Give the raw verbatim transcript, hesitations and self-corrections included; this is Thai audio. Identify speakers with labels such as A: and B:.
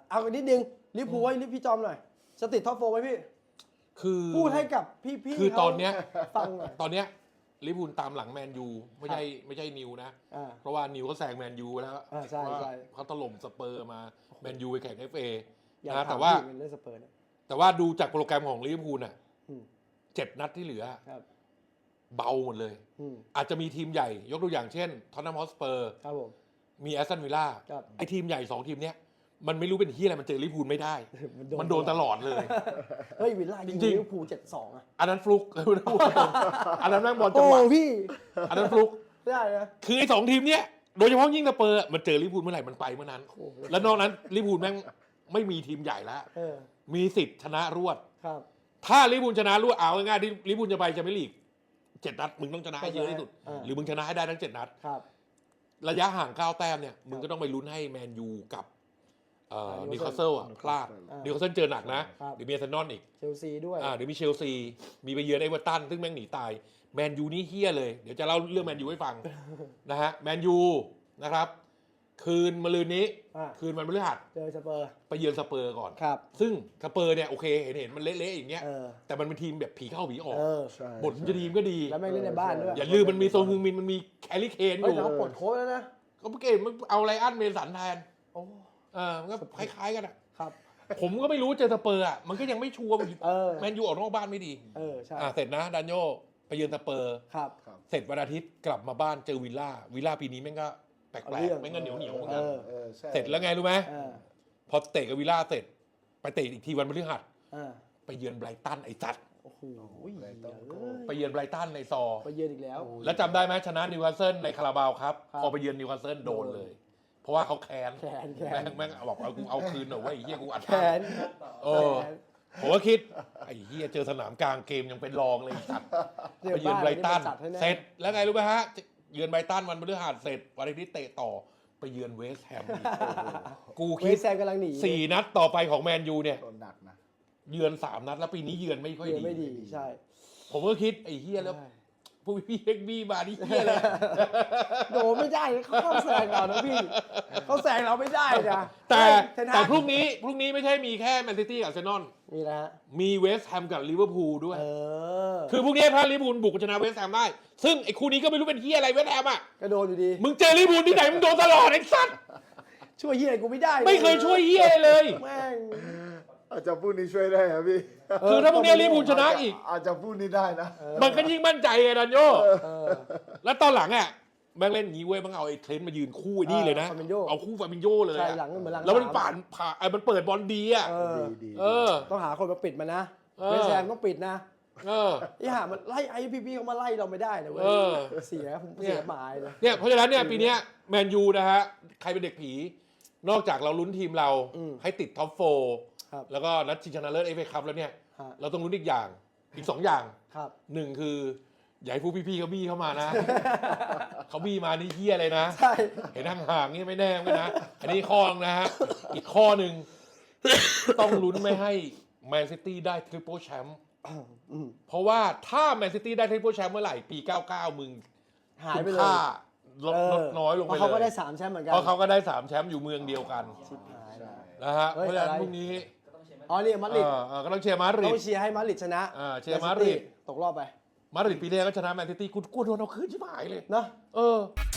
A: เอานิดนึงลิเวอร์พูลไว้พี่จอมหน่อยจะติดท็อปโฟร์ไหมพี่
B: คือ
A: พูดให้กับพี่ๆ
B: คือตอนเนี้ย
A: ฟังหน่อย
B: ตอนเนี้ยลิเวอร์พูลตามหลังแมนยูไม่ใช่ไม่ใช่นิวนะเพราะว่านิวเขาแซงแมนยูแล้ว
A: ใช่ใช่
B: เขาถล่มสเปอร์มาแมนยูไปแข่ง เอฟ เอ
A: นะ
B: แต่ว่า
A: สเปอร์
B: แต่ว่าดูจากโปรแกรมของลิเวอร์พูลน่ะเจ็ดนัดที่เหลือเบาหมดเลยอาจจะมีทีมใหญ่ยกตัวอย่างเช่นท็อตแนมฮอตสเปอร์มีแอสตันวิลล่าไอทีมใหญ่สองทีมเนี้ยมันไม่รู้เป็นที่อะไรมันเจอลิเวอร์พูลไม่ได้มันโดนตลอดเลย
A: เฮ้ยวิลล่ายิงลิเวอร์พูลเจ็ดสองอ่ะ
B: อันนั้นฟลุกอันนั้นแม่งบอลจังหวะ
A: พี่
B: อันนั้นฟลุก
A: ได้นะ
B: คือไอ้สองทีมเนี้ยโดยเฉพาะยิ่งสเปอร์มันเจอลิเวอร์พูลเมื่อไหร่มันไปเมื่อนั้นแล้วนอกนั้นลิเวอร์พูลแม่งไม่มีทีมใหญ่แล้วมีสิทธิ์ชนะรวดถ้าลิเวอร์พูลชนะรวดเอาง่ายๆที่ลิเวอร์พูลจะไปแชมเปี้ยนลีกเจ็ดนัดมึงต้องชนะให้เยอะที่สุดหรือมึงชนะให้ได้ทั้งเจ็ดนัดระยะห่างเก้าแต้มเนี่ยมึงก็ต้องไปลุ้นให้แมนยูกับนิวคาสเซิลพลาดนิวคาสเซิลเจอหนักนะเดี๋ยวมีอาร์เซนอลอีก
A: เชลซีด้วย
B: เดี๋ยวมีเชลซีมีไปเยือนเอเวอร์ตันซึ่งแม่งหนีตายแมนยูนี่เฮี้ยเลยเดี๋ยวจะเล่าเรื่องแมนยูให้ฟังนะฮะแมนยูนะครับคืนมะรืนนี้คืนวันพฤหัส
A: เจอสเปอร์
B: ไปเยือนสเปอร์ก่อนซึ่งสเปอร์เนี่ยโอเคเห็นเห็นมันเละๆอย่างเงี้ยแต่มันเป็นทีมแบบผีเข้าผีออกบทมันจะดีมันก็ดี
A: แล้วแม่งเล่นในบ้านด้วย
B: อย่าลืมมันมีโซนฮึงมินมันมีแคลรี่เคนอยู่
A: เขาปลดโค้ชแล้วนะ
B: เขาเก่งมันเอาไลอันเมสันแทนเออมันก็คล้ายๆกันอ่ะ
A: ครับ
B: ผมก็ไม่รู้เจอสเปอร์อ่ะมันก็ยังไม่ชัวร์แมนยูออกนอกบ้านไม่ดี
A: เออใช่
B: เสร็จนะดานโยไปเยือนสเปอร์
A: ครับ
B: เสร็จวันอาทิตย์กลับมาบ้านเจอวิลล่าวิลล่าปีนี้แม่งก็แปลกๆแม่งก็เหนียวเหนียวเหมือนกันเสร็จแล้วไงรู้ไหมพอเตะกับวิลล่าเสร็จไปเตะอีกทีวันพฤหัสไปเยือนไบรตันไอ้จัด
A: โอ้โห
B: ไปเยือนไบรตันในซอ
A: ไปเยือนอีกแล้ว
B: แล้วจำได้ไหมชนะนิวคาสเซิลในคาราบาวครับพอไปเยือนนิวคาสเซิลโดนเลยเพราะว่าเขาแค้นแม่งแม่งบอกเอากูเอาคืนหน่อยว่าไอ้เหี้ยกูอัด
A: แค้น
B: เออผมก็คิดไอ้เหี้ยเจอสนามกลางเกมยังเป็นรองเลยจัดไปเยือนไบรตันเสร็จแล้วไงรู้ไหมฮะเยือนไบรตันวันพฤหัสเสร็จวันอาทิตย์เตะต่อไปเยือนเวสต์แฮมกูคิดสี่นัดต่อไปของแมนยูเนี่ยเยือนสามนัดแล้วปีนี้เยือนไม่ค่อยดี
A: ไม่ดีใช่
B: ผมก็คิดไอ้เฮียแล้วผู้พี่เอ็กบี้มาดิเฮียเลย
A: โดไม่ได้เขาเข้าแซงเรานะพี่เขาแซงเราไม่ได้นะ
B: แต่แต่พรุ่งนี้พรุ่งนี้ไม่ใช่มีแค่แมนซิตี้กับอาร์เซนอล
A: มีนะ
B: มีเวสต์แฮมกับลิเวอร์พูลด้วยคือพรุ่งนี้ถ้าลิเวอร์พูลบุกชนะเวสต์แฮมได้ซึ่งไอ้คู่นี้ก็ไม่รู้เป็นเฮียอะไรเวสต์แฮมอ่ะ
A: ก็โดนอยู่ดี
B: มึงเจอลิเวอร์พูลที่ไหนมึงโดนตลอดไอ้สัส
A: ช่วยเฮียกูไม่ได้
B: ไม่เคยช่วยเฮียเลย
A: แม่ง
C: อาจจะพูดนี้ช่วยได้ครับพี่
B: คือถ้าพวกนี้ลิเวอร์พูลชนะอีก
C: อาจจะพูดนี้ได้นะ
B: มันก็ยิ่งมั่นใจไงดันโยแล้วตอนหลังอ่ะแม่งเล่นงี้เว้ยมันเอาไอ้เทรนต์มายืนคู่นี่เลยนะเอาคู่ฟาบินโญ่เลยแล้วมันผ่านผ่าไอ้มันเปิดบอลดีอ่ะเออ
A: ต้องหาคนมาปิดมันนะเวสต์แฮมต้องปิดนะ
B: เออ
A: ไอ้ห่ามันไล่ไอ้พี่ๆเขามาไล่เราไม่ได้นะเว้ยเสียผมเสียหมายเลย
B: เนี่ยเพราะฉะนั้นเนี่ยปีนี้แมนยูนะฮะใครเป็นเด็กผีนอกจากเราลุ้นทีมเราให้ติดท็อปโฟร์แล้วก็นัดชิงชนะเลิศเอฟเอคัพแล้วเนี่ยเราต้องลุ้นอีกอย่างอีกสองอย่างหนึ่งคืออย่าให้ผู้พี่ๆเขาบี้เข้ามานะเขาบี้มานี่เฮี้ยเลยนะเห็นห่างๆนี่ไม่แน่ไม่นะอันนี้ข้อนึงนะฮะอีกข้อหนึ่งต้องลุ้นไม่ให้แมนซิตี้ได้ทริปเปิลแชมป์เพราะว่าถ้าแมนซิตี้ได้ทริปเปิลแชมป์เมื่อไหร่ปีเก้าสิบเก้ามึง
A: หายไปเลย
B: ลดน้อยลงไปเลย
A: เพราะเขาก็ได้สามแชมป์เหมือนกัน
B: เพราะเขาก็ได้สามแชมป์อยู่เมืองเดียวกันนะฮะเพราะฉะนั้นพรุ่งนี้
A: อ๋อนี่มาดริด
B: ก็ต้องเชียร์มาดริด
A: ต้องเชียร์ให้มาดริดชนะ
B: เชียร์มาดริด
A: ตกรอบไป
B: มาดริดปีแรกก็ชนะแมนซิตี้กูกลัวโดนเอาคืนชิบหายเลย
A: เนาะ
B: เออ